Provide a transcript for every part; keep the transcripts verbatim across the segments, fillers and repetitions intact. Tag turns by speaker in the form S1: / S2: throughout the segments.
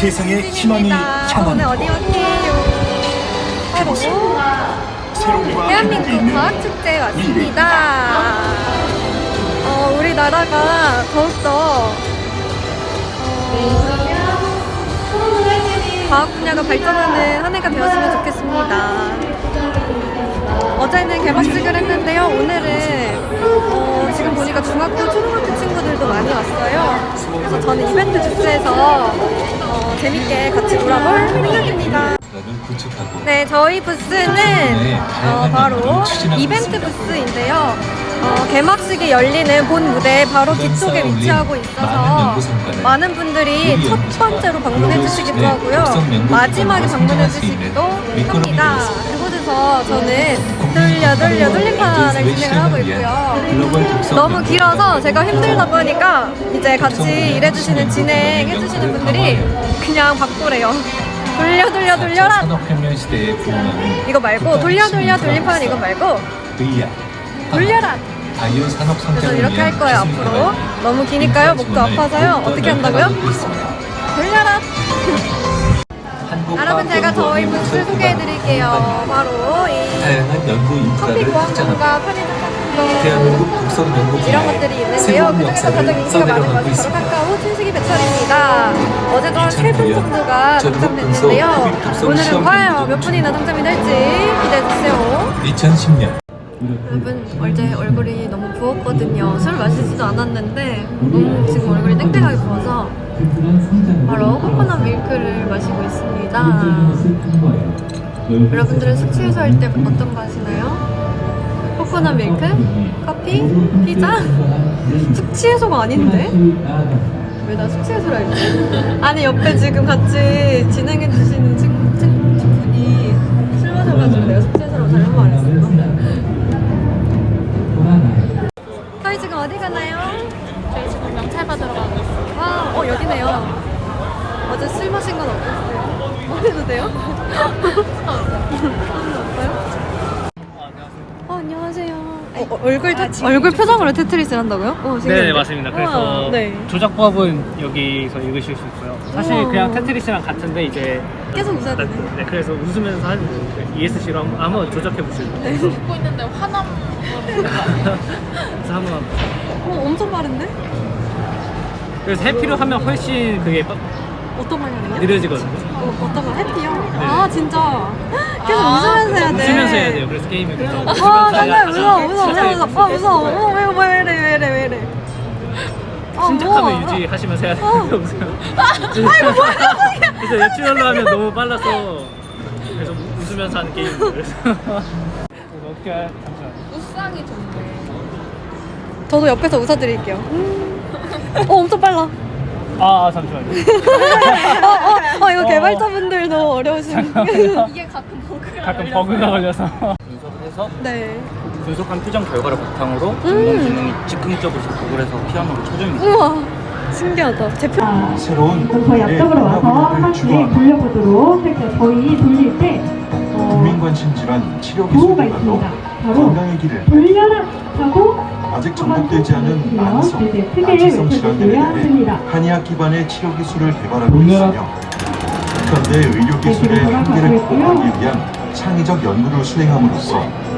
S1: 세상에 희망이 향한
S2: 오늘 어디 왔게요? 바로 대한민국 과학축제에 왔습니다. 어, 우리나라가 더욱더 어, 과학 분야가 발전하는 한 해가 되었으면 좋겠습니다. 어제는 개막식을 했는데요. 오늘은 어, 지금 보니까 중학교, 초등학교 친구들도 많이 왔어요. 그래서 저는 이벤트 부스에서 어, 재밌게 같이 놀아볼 생각입니다. 네, 저희 부스는 어, 바로 이벤트 부스인데요. 어, 개막식이 열리는 본 무대 바로 뒤쪽에 위치하고 있어서 많은 분들이 첫 번째로 방문해 주시기도 하고요. 마지막에 방문해 주시기도 합니다. 그곳에서 저는 돌려 돌려 돌림판을 진행을 하고 있고요. 너무 길어서 제가 힘들다 보니까 이제 같이 일해주시는 진행해 주시는 분들이 그냥 바꾸래요. 돌려 돌려 돌려라.
S3: 산업혁명 시대에 부응하는
S2: 이거 말고 돌려 돌려 돌림판 이거 말고 돌려라.
S3: 바이오 산업
S2: 그래서
S3: 성장을
S2: 이렇게 할 거예요. 앞으로 너무 기니까요. 목도 아파서요. 어떻게 한다고요? 돌려라. 여러분, 제가 저희 부스 소개해드릴게요. 바로 이
S3: 다양한 연구
S2: 커피
S3: 인프라를
S2: 보안공과
S3: 확장하고
S2: 편의점 상품권
S3: 대한민국 독성 연구
S2: 이런 것들이 있는데요. 그중에서 가장 인기가 많은 것이 바로 카카오 춘식이 배터리입니다. 어제도 한 세 분 정도가 당첨됐는데요. 오늘은 과연 몇 분이나 당첨이 될지 기대해주세요.
S3: 이천십 년
S2: 여러분, 어제 얼굴이 너무 부었거든요. 술 마시지도 않았는데 너무 지금 얼굴이 땡땡하게 부어서 바로 코코넛 밀크를 마시고 있습니다. 여러분들은 숙취해소 할 때 어떤 거 하시나요? 코코넛 밀크? 커피? 피자? 숙취해소가 아닌데? 왜 나 숙취해소를 할지? 아니, 옆에 지금 같이 진행해주시는 친, 친, 친분이 술 마셔가지고 내가 숙취해소라고 잘못 말했어. 저희 지금 어디 가나요?
S4: 저희 지금 명찰 받으러 가고 있어요.
S2: 아, 어, 여기네요. 어제 술 마신 건 없었어요? 어디도 돼요? 없어요? 어, 안녕하세요. 어, 어, 얼굴, 테, 얼굴 표정으로 테트리스를 한다고요? 어,
S5: 네, 맞습니다. 그래서
S2: 우와, 네.
S5: 조작법은 여기서 읽으실 수 있고요. 사실
S2: 우와.
S5: 그냥 테트리스랑 같은데 이제
S2: 계속 웃어야 되네.
S5: 네, 그래서 웃으면서 하는 거예요. 이에스씨로 한번, 한번 조작해 보시고.
S2: 네.
S5: 그래서,
S4: 웃고 있는데 화남.
S5: 그래서 한번.
S2: 어, 엄청 빠른데?
S5: 그래서 해피로 하면 훨씬 그게 빠-
S2: 어떤 방향이요?
S5: 느려지거든요.
S2: 어, 어떤 거? 해피요? 아, 진짜? 계속 웃으면서 해야 돼.
S5: 웃으면서 해야 돼요. 그래서 게임을 그래서 웃으면서
S2: 와,
S5: 해야
S2: 정말 무서워,
S5: 가장
S2: 무서워,
S5: 진짜
S2: 무서워, 어, 무서워. 어, 왜, 왜 이래, 왜 이래, 왜 이래. 어,
S5: 침착함을
S2: 뭐.
S5: 유지하시면서 해야
S2: 어.
S5: 돼요. 아이고, 뭐야, 그래서 내추럴로 하면 너무 빨라서 그래서 우- 웃으면서 하는 게임이에요. 그래서 그래서 어떻게 할 잠시만요.
S4: 우상이 좋네.
S2: 저도 옆에서 웃어드릴게요. 어, 엄청 빨라.
S5: 아, 아 잠시만요.
S2: 어, 어, 어, 이거
S5: 어.
S2: 개발자분들도 어려우신.
S4: 이게 가끔 버그가
S5: 가끔
S4: 걸려서.
S5: 버그가 걸려서
S6: 분석을 해서
S2: 네.
S6: 분석한 표정 결과를 바탕으로 인공지능이 즉흥적으로 작곡을 해서 피아노로 초정이
S2: 우와, 신기하다. 제 표.
S1: 새로운
S7: 그럼 저희 앞쪽으로 와서 한 번씩 돌려보도록 할게요. 저희 돌릴 때 어,
S1: 국민 관심 질환 치료
S7: 도구가
S1: 기술별로
S7: 있습니다. 바로
S1: 건강의 길을
S7: 돌려라 하고
S1: 아직 정복되지 않은 만성,
S7: 이제 크게
S1: 만취성 질환들에
S7: 외쳐주셔야
S1: 대해
S7: 합니다.
S1: 한의학 기반의 치료 기술을 개발하고 있으며 현대 의료 기술의 한계를 극복하기 위한 창의적 연구를 수행함으로써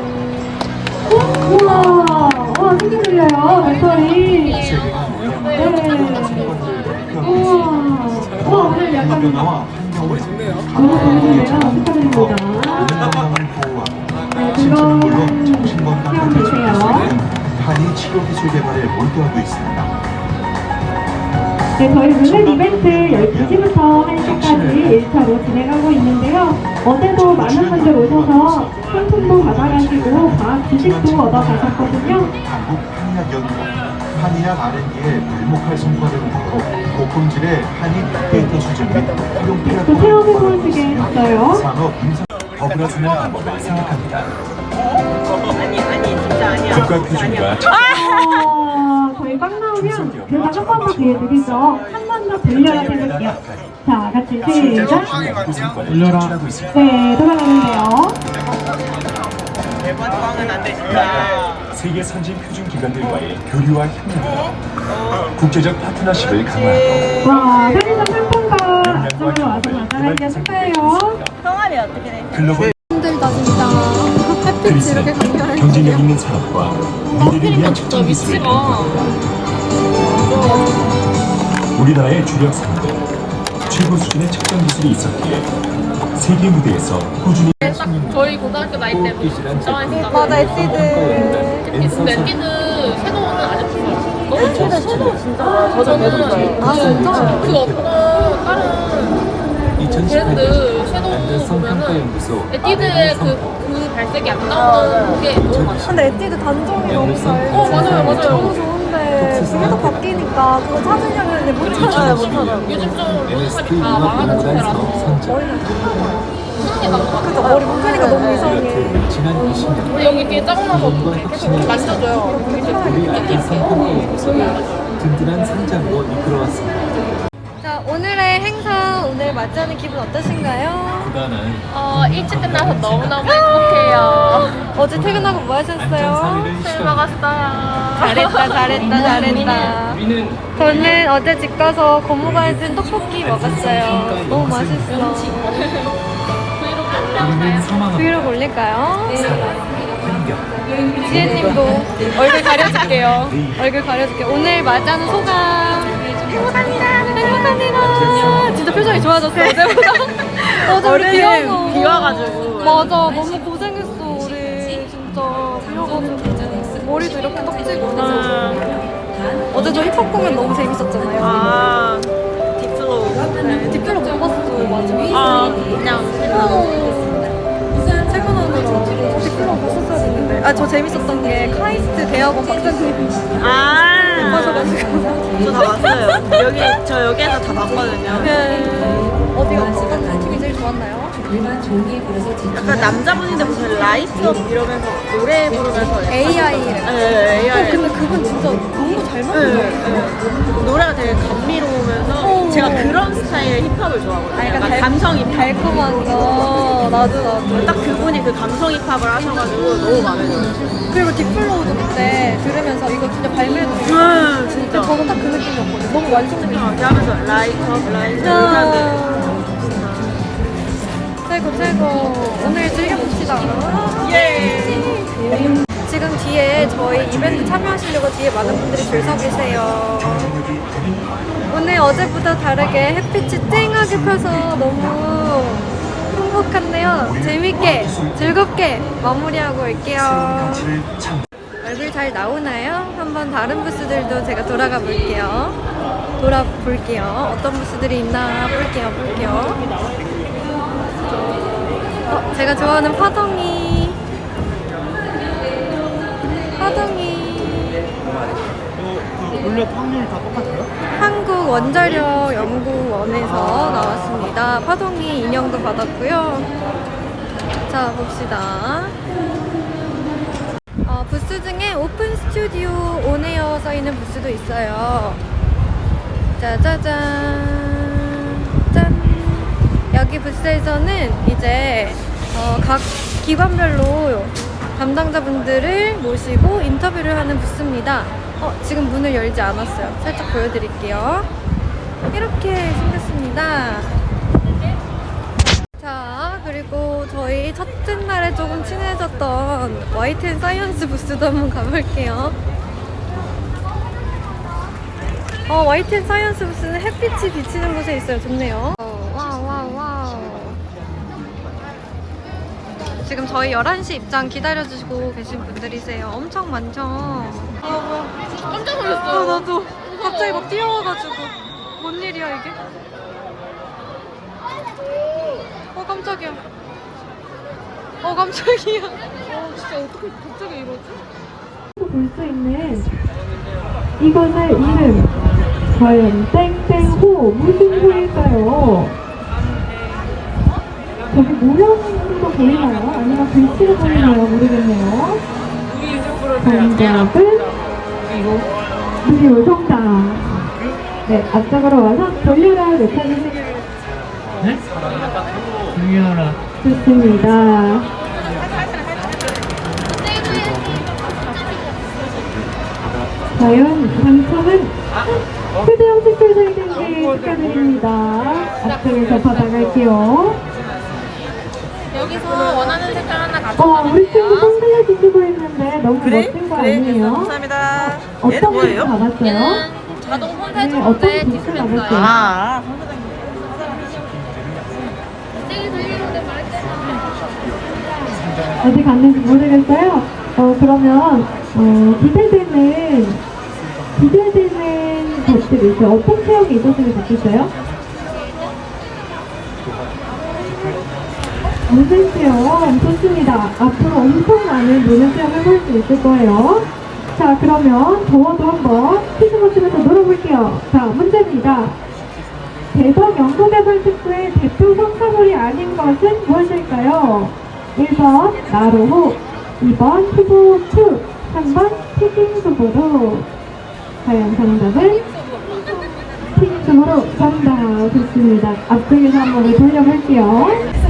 S7: 우와, 와, 신기 들려요, 배터리.
S1: 세계가
S7: 네.
S1: 모양만 성과들을 발표하고
S7: 우와,
S1: 있습니다.
S7: 와, 오늘 약간
S1: 변화와 환경을
S7: 너무 좋은데요?
S1: 가능한
S7: 축하드립니다.
S1: 건강을 보호하고
S7: 네,
S1: 신체는
S7: 그거
S1: 물론 정신 건강을
S7: 시험
S1: 지킬 수
S7: 주세요.
S1: 있는 한의 치료 기술 개발에 몰두하고 있습니다.
S7: 네, 저희 오늘 이벤트 열두 시부터 한 시까지 일 차로 진행하고 있는데요. 어제도 많은 분들 오셔서 상품도 받아가시고 과학 지식도 얻어가셨거든요.
S1: 한국 한의학 연구, 한의학 알 앤 디의 불목할 성과를 목표로 고품질의 한의 빅데이터 수집 및 활용
S7: 또
S1: 플랫폼을
S7: 체험해볼
S1: 개발하고
S7: 수게
S1: 있으며
S7: 있어요.
S1: 산업 인사 버블어주는 방법을 생각합니다. 국가 표준과
S7: 어, 저희 꽉 나오면 그냥 한 번 더 기회 드리죠. 한 번 더 돌려라 해볼게요. 자, 같이 시작.
S1: 올려라 하고 있습니다.
S7: 네, 돌아가는데요.
S8: 매번 꽝은 안 되신다. 세계 선진 표준 기관들과의 교류와 협력으로 국제적 파트너십을 강화하고
S7: 와, 편의점 상품권 앞쪽으로 와서 받아가기가 축하해요.
S8: 글로벌
S2: 힘들다 진짜. 햇빛이
S8: 그리스는
S2: 이렇게 강렬해.
S8: 경쟁력 있는 산업과 미래를 위한 척전 기술을 연구하고 우리나라의 주력 산업은 최고 수준의 척전 기술이 있었기에 세계 무대에서 꾸준히
S4: 저희 고등학교 나이 때부터 진짜 많이 썼다.
S2: 맞아, 에뛰드.
S4: 근데 에뛰드 섀도우는 아직 없어요. 너무 좋아. 섀도우 진짜 좋아요. 저는
S2: 아, 진짜?
S4: 그 어떤 다른 브랜드 섀도우 보면은 에뛰드의 그, 그 발색이 안 나오는 게 너무 많아.
S2: 근데 에뛰드 단종이 너무 잘.
S4: 어, 맞아요, 맞아요.
S2: 너무 좋은데 계속 바뀌니까 그거 찾으려고 했는데 못 찾아요, 못 찾아요.
S4: 요즘 좀 로드샵이 다 망하는 추세라서
S2: 머리는
S4: 쓰는 게 나은 것 같아요.
S2: 그래서 머리 묶으니까 너무 이상해.
S3: 지난 이십 년
S4: 근데 여기 이렇게 짜증나서 계속 만져줘요. 이렇게
S3: 우리 아픈 상품과 모습을 든든한 상장으로 이끌어왔습니다.
S2: 자, 오늘의 행사 오늘 맞이하는 기분 어떠신가요?
S3: 부단한
S4: 어, 일찍 끝나서 너무너무 행복해요.
S2: 어제 퇴근하고 뭐 하셨어요?
S4: 술 먹었어요.
S2: 잘했다, 잘했다, 잘했다.
S3: 우리는
S2: 저는 어제 집 가서 고무가진 떡볶이 먹었어요. 너무 맛있어.
S3: 우리는 사망합니다.
S2: 브이로그 올릴까요?
S3: 환경
S2: 지혜님도 얼굴 가려줄게요. 얼굴 가려줄게요. 오늘 맞이하는 소감. 행복합니다. 행복합니다. 진짜 표정이 좋아졌어, 어제보다. 어제 우리 비 와서.
S4: 비 와가지고.
S2: 맞아, 너무 고생했어, 우리. 진짜. 비 와가지고. 머리도 이렇게 떡지고. 어제 저 힙합 공연 너무 재밌었잖아요.
S4: 아, 딥슬로우.
S2: 네, 뒷배로 못 봤어요, 맞아.
S4: 아, 그냥.
S2: 최근으로 뒷배로 봤었어야 했는데. 아, 저 재밌었던 게 카이스트 대학원 박사님
S4: 아,
S2: 하셔가지고.
S9: 저 다 봤어요. 여기 저 여기에서 다 봤거든요.
S2: 네. 어디가 어떤 팀이 제일 좋았나요?
S9: 약간 남자분인데 무슨 라이트업 이러면서 노래 부르면서
S2: 에이아이.
S9: 네, 에이아이.
S2: 근데 그분 진짜 너무 잘
S9: 네,
S2: 만들었어요.
S9: 네. 노래가 되게 감미로우면서
S2: 어.
S9: 제가 그런 스타일의 힙합을 좋아하거든요.
S2: 아, 약간
S9: 약간
S2: 달-
S9: 감성 힙합.
S2: 달콤한 거. 나도 나도.
S9: 딱 그분이 그 감성 힙합을 하셔가지고 너무 마음에 들어요.
S2: 그리고 딥플로우도 그때 들으면서 이거 진짜 발매도.
S9: 음, 진짜.
S2: 저는 딱 그 느낌이었거든요. 너무 완성된 느낌.
S9: 이렇게 하면서 라이트업, 라이트업
S2: 아.
S9: 이렇게 하는데
S2: 최고 최고. 오늘 즐겨봅시다.
S9: 예.
S2: 지금 뒤에 저희 이벤트 참여하시려고 뒤에 많은 분들이 줄 서 계세요. 오늘 어제보다 다르게 햇빛이 쨍하게 펴서 너무 행복한데요. 재밌게 즐겁게 마무리하고 올게요. 얼굴 잘 나오나요? 한번 다른 부스들도 제가 돌아가 볼게요. 돌아볼게요. 어떤 부스들이 있나 볼게요. 볼게요. 어, 제가 좋아하는 파동이. 파동이.
S5: 원래 확률 다 똑같아요?
S2: 한국 원자력 연구원에서 나왔습니다. 파동이 인형도 받았고요. 자, 봅시다. 어, 부스 중에 오픈 스튜디오 온에어 써있는 부스도 있어요. 짜자잔. 짠. 여기 부스에서는 이제 어, 각 기관별로 담당자분들을 모시고 인터뷰를 하는 부스입니다. 어, 지금 문을 열지 않았어요. 살짝 보여드릴게요. 이렇게 생겼습니다. 자, 그리고 저희 첫째 날에 조금 친해졌던 와이텐 사이언스 부스도 한번 가볼게요. 어, 와이텐 사이언스 부스는 햇빛이 비치는 곳에 있어요. 좋네요. 어, 와우, 와우, 와우. 지금 저희 열한 시 입장 기다려주시고 계신 분들이세요. 엄청 많죠? 아, 뭐야.
S4: 깜짝
S2: 어,
S4: 놀랐어요.
S2: 나도 갑자기 막 뛰어와가지고. 뭔 일이야, 이게? 어, 깜짝이야. 어, 깜짝이야. 어, 진짜 어떻게 갑자기 이러지?
S7: 볼 수 있는 이것의 이름 과연 땡땡호 무슨 호일까요? 저기 모양도 보이나요? 아니면 글씨가 보이나요? 모르겠네요. 정답은 그리고 정답. 네, 앞쪽으로 와서 돌려라 외쳐주세요.
S5: 네? 중요하라.
S7: 좋습니다. 과연 당첨은 휴대용 칫솔 살균기 축하드립니다. 앞쪽에서 받아갈게요.
S4: 여기서 원하는 색깔 하나
S7: 어,
S4: 가져가면
S7: 우리 친구
S4: 돼요.
S7: 선글라스 쓰고 있는데 너무 멋진 거 아니에요?
S9: 감사합니다.
S7: 어떤 거 받았어요?
S4: 얘는 자동 폰
S7: 네,
S4: 세정인데
S7: 어떤 거
S4: 디스펜서예요.
S7: 받았어요?
S9: 아,
S7: 어디 갔는지 모르겠어요. 어, 그러면, 어, 기대되는, 기대되는 것들이 있어요. 어떤 체험이 있었으면 좋겠어요? 문제 체험, 좋습니다. 앞으로 엄청 많은 문제 체험 해볼 수 있을 거예요. 자, 그러면 저와도 한번 퀴즈 맞추면서 놀아볼게요. 자, 문제입니다. 대덕 연구개발 특구의 대표 성과물이 아닌 것은 무엇일까요? 일 번 나로호, 이 번 투보투, 삼 번 튀김수보로. 과연 정답은? 튀김수보로 정답. 좋습니다. 앞쪽에서 한번 돌려볼게요.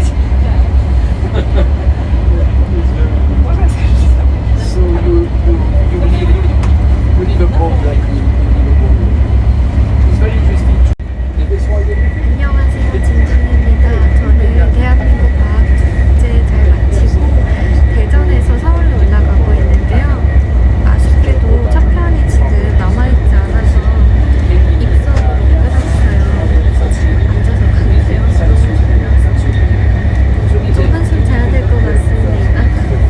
S2: 안녕하세요, 진준입니다. 저는 대한민국 과학축제 잘 마치고 대전에서 서울로 올라가고 있는데요. 아쉽게도 첫 편이 지금 남아있지 않아서 입석으로 끊었어요. 앉아서 가는데요. 좀 한숨 자야 될 것 같습니다.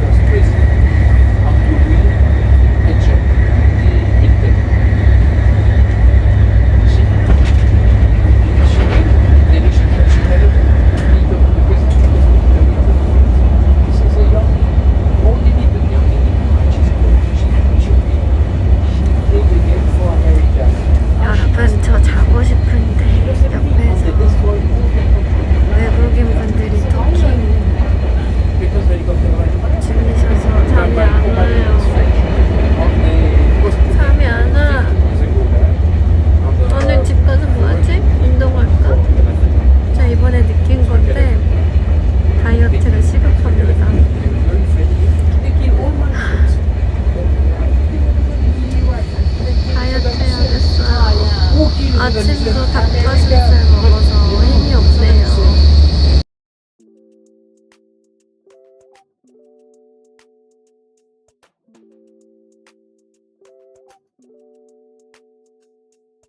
S2: 여러분, 저 자고 싶은데 옆에서 외국인 분들이 토킹 중이셔서 잠이 안 와요. 잠이 안 와. 오늘 집 가서 뭐하지? 운동할까? 저 이번에 느낀 건데 다이어트가 시급합니다. 다이어트 해야겠어요. 아침도 닭가슴살